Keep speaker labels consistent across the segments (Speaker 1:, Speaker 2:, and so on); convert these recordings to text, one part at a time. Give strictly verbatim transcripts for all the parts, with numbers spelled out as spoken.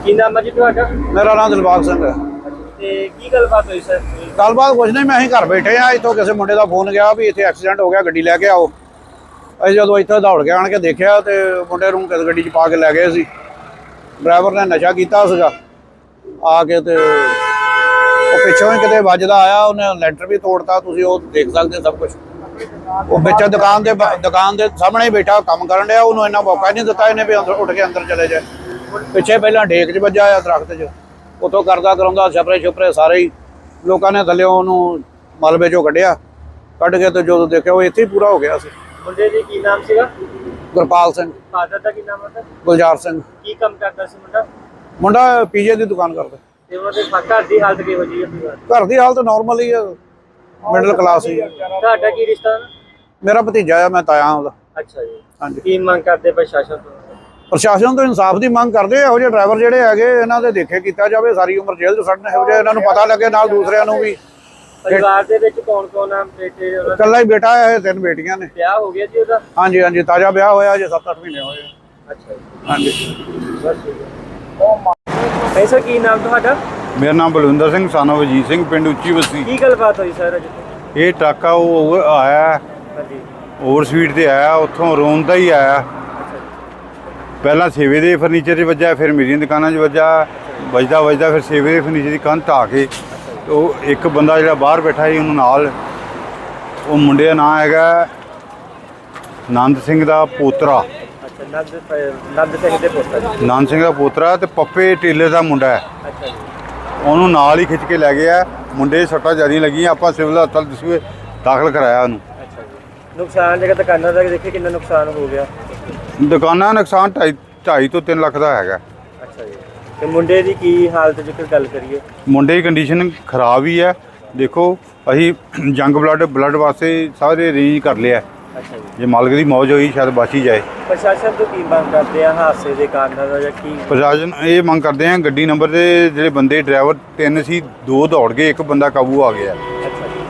Speaker 1: ਕੀ ਨਾਮ ਹੈ ਜੀ ਤੁਹਾਡਾ?
Speaker 2: ਮੇਰਾ ਨਾਮ ਦਿਲਬਾਗ ਸਿੰਘ ਹੈ।
Speaker 1: ਤੇ ਕੀ ਗੱਲਬਾਤ ਹੋਈ ਸਰ?
Speaker 2: ਗੱਲਬਾਤ ਕੁਝ ਨਹੀਂ, ਮੈਂ ਅਸੀਂ ਘਰ ਬੈਠੇ ਆ। ਇੱਥੋਂ ਕਿਸੇ ਮੁੰਡੇ ਦਾ ਫੋਨ ਗਿਆ ਵੀ ਇੱਥੇ ਐਕਸੀਡੈਂਟ ਹੋ ਗਿਆ, ਗੱਡੀ ਲੈ ਕੇ ਆਓ। ਅਸੀਂ ਜਦੋਂ ਇੱਥੇ ਦੌੜ ਕੇ ਆਣ ਕੇ ਦੇਖਿਆ ਤੇ ਮੁੰਡੇ ਨੂੰ ਕਿਸ ਗੱਡੀ 'ਚ ਪਾ ਕੇ ਲੈ ਗਏ ਸੀ। ਡਰਾਈਵਰ ਨੇ ਨਸ਼ਾ ਕੀਤਾ ਸੀਗਾ। ਆ ਕੇ ਤੇ ਉਹ ਪਿੱਛੋਂ ਹੀ ਕਿਤੇ ਵੱਜਦਾ ਆਇਆ, ਉਹਨੇ ਲੈਂਟਰ ਵੀ ਤੋੜਤਾ। ਤੁਸੀਂ ਉਹ ਦੇਖ ਸਕਦੇ ਸਭ ਕੁਝ। ਉਹ ਵਿੱਚ ਦੁਕਾਨ ਦੇ ਦੁਕਾਨ ਦੇ ਸਾਹਮਣੇ ਹੀ ਬੈਠਾ ਕੰਮ ਕਰਨ ਡਿਆ। ਉਹਨੂੰ ਇੰਨਾ ਮੌਕਾ ਨਹੀਂ ਦਿੱਤਾ ਇਹਨੇ ਵੀ ਅੰਦਰ ਉੱਠ ਕੇ ਅੰਦਰ ਚਲੇ ਜਾਏ। ਪਿੱਛੇ ਪਹਿਲਾਂ ਢੇਕ 'ਚ ਵੱਜਾ ਆ ਦਰਖਤ 'ਚ, ਉੱਥੋਂ ਕਰਦਾ ਕਰਾਉਂਦਾ ਛਪਰੇ ਛੁਪਰੇ ਸਾਰੇ ਹੀ ਲੋਕਾਂ ਨੇ ਥੱਲੇ ਉਹਨੂੰ ਮਲਬੇ 'ਚੋਂ ਕੱਢਿਆ। ਕੱਢ ਕੇ ਤੇ ਜਦੋਂ ਦੇਖਿਆ ਉਹ ਇੱਥੇ ਹੀ ਪੂਰਾ ਹੋ ਗਿਆ ਸੀ।
Speaker 1: ਮੁੰਡੇ ਦੀ ਕੀ ਨਾਮ ਸੀਗਾ?
Speaker 2: ਗੁਰਪਾਲ ਸਿੰਘ।
Speaker 1: ਫਾਦਰ ਦਾ ਕੀ ਨਾਮ ਹੁੰਦਾ?
Speaker 2: ਗੁਲਜ਼ਾਰ ਸਿੰਘ।
Speaker 1: ਕੀ ਕੰਮ ਕਰਦਾ ਸੀ ਮੁੰਡਾ?
Speaker 2: ਮੁੰਡਾ ਪੀਜੇ ਦੀ ਦੁਕਾਨ ਕਰਦਾ।
Speaker 1: ਤੇ ਉਹਨਾਂ ਦੇ ਘਰ ਦੀ ਹਾਲਤ ਕਿਹੋ ਜਿਹੀ ਹੈ?
Speaker 2: ਘਰ ਦੀ ਹਾਲਤ ਨਾਰਮਲ ਹੀ ਆ, ਮਿਡਲ ਕਲਾਸ ਹੀ।
Speaker 1: ਤੁਹਾਡਾ ਕੀ ਰਿਸ਼ਤਾ?
Speaker 2: ਮੇਰਾ ਭਤੀਜਾ ਆ, ਮੈਂ ਤਾਇਆ ਉਹਦਾ।
Speaker 1: ਅੱਛਾ ਜੀ।
Speaker 2: ਹਾਂਜੀ।
Speaker 1: ਕੀ ਮੰਗ ਕਰਦੇ ਪ੍ਰਸ਼ਾਸਨ ਤੋਂ?
Speaker 2: ਪ੍ਰਸ਼ਾਸਨ ਤੋਂ ਇਨਸਾਫ ਦੀ ਮੰਗ ਕਰਦੇ। ਇਹੋ ਜਿਹੇ ਡਰਾਈਵਰ ਜਿਹੜੇ ਹੈਗੇ ਇਹਨਾਂ ਦੇ ਦੇਖੇ ਕੀਤਾ ਜਾਵੇ, ਸਾਰੀ ਉਮਰ ਜੇਲ੍ਹ 'ਚ ਸੱਟਣ। ਇਹੋ ਜਿਹੇ ਇਹਨਾਂ ਨੂੰ ਪਤਾ ਲੱਗੇ, ਨਾਲ ਦੂਸਰਿਆਂ ਨੂੰ ਵੀ।
Speaker 1: ਪਰਿਵਾਰ ਦੇ ਵਿੱਚ ਕੌਣ ਕੌਣ ਆ? ਬੇਟੇ
Speaker 2: ਇਕੱਲਾ ਹੀ ਬੇਟਾ ਹੈ, ਤਿੰਨ ਬੇਟੀਆਂ ਨੇ।
Speaker 1: ਵਿਆਹ ਹੋ ਗਿਆ ਜੀ ਉਹਦਾ?
Speaker 2: ਹਾਂਜੀ ਹਾਂਜੀ, ਤਾਜ਼ਾ ਵਿਆਹ ਹੋਇਆ ਜੇ ਸੱਤ ਅੱਠ ਮਹੀਨੇ ਹੋਏ।
Speaker 1: ਅੱਛਾ ਜੀ।
Speaker 2: ਹਾਂਜੀ।
Speaker 1: ਬਸ ਐਸਾ ਕੀ ਨਾਮ ਤੁਹਾਡਾ?
Speaker 3: ਮੇਰਾ ਨਾਮ ਬਲਵਿੰਦਰ ਸਿੰਘ ਸਾਨੋ ਵਜੀਤ ਸਿੰਘ, ਪਿੰਡ ਉੱਚੀ ਬਸਤੀ।
Speaker 1: ਕੀ ਗੱਲਬਾਤ ਹੋਈ ਸਰ ਅੱਜ?
Speaker 3: ਇਹ ਟਰੱਕ ਆ ਉਹ ਆਇਆ
Speaker 1: ਹਾਂਜੀ।
Speaker 3: ਓਵਰ ਸਪੀਡ ਤੇ ਆਇਆ, ਉੱਥੋਂ ਰੋਂਦਾ ਹੀ ਆਇਆ। ਪਹਿਲਾਂ ਸੇਵੇ ਦੇ ਫਰਨੀਚਰ 'ਚ ਵੱਜਾ, ਫਿਰ ਮੇਰੀਆਂ ਦੁਕਾਨਾਂ 'ਚ ਵੱਜਾ। ਵੱਜਦਾ ਵੱਜਦਾ ਫਿਰ ਸੇਵੇ ਦੇ ਫਰਨੀਚਰ ਦੀ ਕੰਧ ਢਾਹ ਕੇ ਉਹ ਇੱਕ ਬੰਦਾ ਜਿਹੜਾ ਬਾਹਰ ਬੈਠਾ ਸੀ ਉਹਨੂੰ ਨਾਲ, ਉਹ ਮੁੰਡੇ ਦਾ ਨਾਂ ਹੈਗਾ ਨੰਦ ਸਿੰਘ ਦਾ ਪੋਤਰਾ।
Speaker 1: ਅੱਛਾ, ਨੰਦ ਨੰਦ ਸਿੰਘ ਦੇ ਪੁੱਤਰ।
Speaker 3: ਨੰਦ ਸਿੰਘ ਦਾ ਪੋਤਰਾ ਤੇ ਪੱਪੇ ਟੇਲਰ ਦਾ ਮੁੰਡਾ ਹੈ।
Speaker 1: ਅੱਛਾ ਜੀ।
Speaker 3: ਉਹਨੂੰ ਨਾਲ ਹੀ ਖਿੱਚ ਕੇ ਲੈ ਗਿਆ। ਮੁੰਡੇ ਦੀ ਸੱਟਾਂ ਜ਼ਿਆਦਾ ਲੱਗੀਆਂ। ਆਪਾਂ ਸਿਵਲ ਹਸਪਤਾਲ ਦਸੂਏ ਦਾਖਲ ਕਰਾਇਆ ਉਹਨੂੰ।
Speaker 1: ਅੱਛਾ ਜੀ। ਨੁਕਸਾਨ ਜਿਹੜਾ ਦੁਕਾਨਾਂ ਦਾ ਦੇਖੇ ਕਿੰਨਾ ਨੁਕਸਾਨ ਹੋ ਗਿਆ?
Speaker 3: ਦੁਕਾਨਾਂ ਦਾ ਨੁਕਸਾਨ ਢਾਈ ਢਾਈ ਤੋਂ ਤਿੰਨ ਲੱਖ ਦਾ ਹੈਗਾ।
Speaker 1: ਅੱਛਾ ਜੀ। ਤੇ ਮੁੰਡੇ ਦੀ ਕੀ ਹਾਲਤ ਜੇਕਰ ਗੱਲ ਕਰੀਏ?
Speaker 3: ਮੁੰਡੇ ਦੀ ਕੰਡੀਸ਼ਨ ਖਰਾਬ ਹੀ ਹੈ। ਦੇਖੋ ਅਸੀਂ ਜੰਗ ਬਲੱਡ ਬਲੱਡ ਵਾਸਤੇ ਸਾਰੇ ਅਰੇਂਜ ਕਰ ਲਿਆ।
Speaker 1: ਅੱਛਾ ਜੀ।
Speaker 3: ਜੇ ਮਾਲਕ ਦੀ ਮੌਜ ਹੋਈ ਸ਼ਾਇਦ ਬਚ ਹੀ ਜਾਏ।
Speaker 1: ਪ੍ਰਸ਼ਾਸਨ ਤੋਂ ਕੀ ਮੰਗ ਕਰਦੇ ਆ ਹਾਦਸੇ ਦੇ ਕਾਰਨਾਂ ਦਾ ਜਾਂ ਕੀ?
Speaker 3: ਪ੍ਰਸ਼ਾਸਨ ਇਹ ਮੰਗ ਕਰਦੇ ਆ ਗੱਡੀ ਨੰਬਰ ਦੇ ਜਿਹੜੇ ਬੰਦੇ ਡਰਾਈਵਰ ਤਿੰਨ ਸੀ, ਦੋ ਦੌੜ ਗਏ, ਇੱਕ ਬੰਦਾ ਕਾਬੂ ਆ ਗਿਆ।
Speaker 1: ਅੱਛਾ ਜੀ।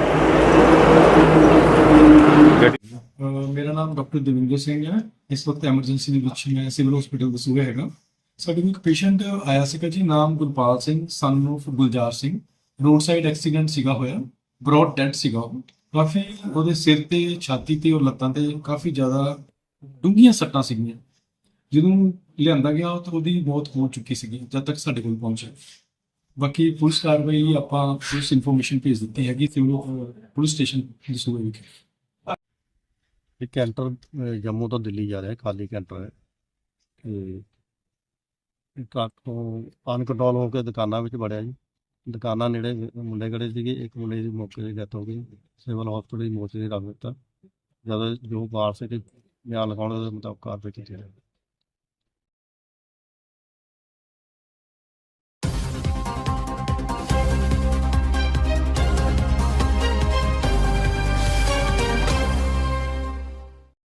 Speaker 4: ਮੇਰਾ ਨਾਮ ਡਾਕਟਰ ਦਵਿੰਦਰ ਸਿੰਘ ਹੈ। ਇਸ ਵਕਤ ਐਮਰਜੈਂਸੀ ਦੇ ਵਿੱਚ ਮੈਂ ਸਿਵਲ ਹਸਪੀਟਲ ਦਸੂਹੇ ਹੈਗਾ। ਸਾਡੇ ਕੋਲ ਇੱਕ ਪੇਸ਼ੈਂਟ ਆਇਆ ਸੀਗਾ ਜੀ, ਨਾਮ Gurpal Singh son of Gulzar Singh. Road side accident ਸੀਗਾ ਹੋਇਆ, ਬ੍ਰੌਡ ਡੈਡ ਸੀਗਾ ਉਹ। ਕਾਫੀ ਉਹਦੇ ਸਿਰ ਤੇ, ਛਾਤੀ ਤੇ ਔਰ ਲੱਤਾਂ ਤੇ ਕਾਫੀ ਜ਼ਿਆਦਾ ਡੂੰਘੀਆਂ ਸੱਟਾਂ ਸੀਗੀਆਂ। ਜਦੋਂ ਲਿਆਂਦਾ ਗਿਆ ਤਾਂ ਉਹਦੀ ਮੌਤ ਹੋ ਚੁੱਕੀ ਸੀਗੀ ਜਦ ਤੱਕ ਸਾਡੇ ਕੋਲ ਪਹੁੰਚਿਆ। ਬਾਕੀ ਪੁਲਿਸ ਕਾਰਵਾਈ ਲਈ ਆਪਾਂ ਪੁਲਿਸ ਇਨਫੋਰਮੇਸ਼ਨ ਭੇਜ ਦਿੱਤੀ ਹੈਗੀ ਸਿਵਲ ਪੁਲਿਸ ਸਟੇਸ਼ਨ ਦਸੂਹੇ ਵਿਖੇ।
Speaker 5: ਇਹ ਕੈਂਟਰ ਜੰਮੂ ਤੋਂ ਦਿੱਲੀ ਜਾ ਰਿਹਾ, ਖਾਲੀ ਕੈਂਟਰ ਹੈ। ਤੇ ਟਰੱਕ ਤੋਂ ਅਨਕੰਟਰੋਲ ਹੋ ਕੇ ਦੁਕਾਨਾਂ ਵਿੱਚ ਵੜਿਆ ਜੀ। ਦੁਕਾਨਾਂ ਨੇੜੇ ਮੁੰਡੇ ਖੜੇ ਸੀਗੇ, ਇੱਕ ਮੁੰਡੇ ਦੀ ਮੌਕੇ 'ਤੇ ਡੈਥ ਹੋ ਗਈ। ਸਿਵਲ ਹਸਪਤਾਲ ਦੀ ਮੌਤ 'ਤੇ ਰੱਖ ਦਿੱਤਾ। ਜਦੋਂ ਜੋ ਵਾਰਸ ਦੇ ਬਿਆਨ ਲਿਖਾਉਣ ਦੇ ਮੁਤਾਬਕ ਕਾਰਵਾਈ ਕੀਤੀ ਜਾਵੇ।